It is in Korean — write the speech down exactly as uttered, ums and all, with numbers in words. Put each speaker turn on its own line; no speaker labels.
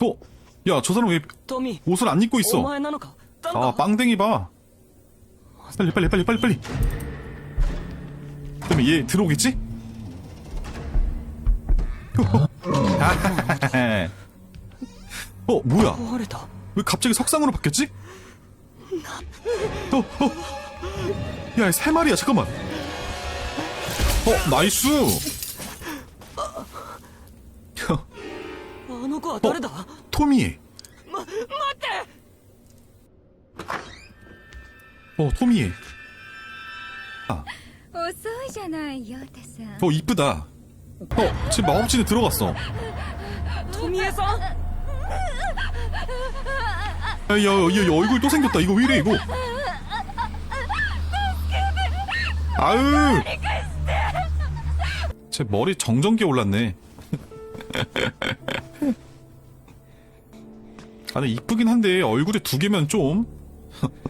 어? 야, 저 사람 왜
トミー
옷을 안 입고
お
있어?
前なのか誰
아,
だ
빵댕이 봐. 빨리, 빨리, 빨리, 빨리, 빨리. 그러면 얘 들어오겠지? 어, 뭐야?
壊れた
왜 갑자기 석상으로 바뀌었지? 어, 어. 야, 세 마리야, 잠깐만. 어, 나이스.
あの子は誰だ、
토미.
ま、待って
어, 토미. 아,
遅いじゃないヨタさん。
어, 이쁘다. 어, 지금 마법진에 들어갔어.
富江さん
야, 야, 야, 야, 얼굴 또 생겼다. 이거 왜 이래, 이거? 아유! 제 머리 정전기 올랐네. 아, 근데 이쁘긴 한데, 얼굴에 두 개면 좀.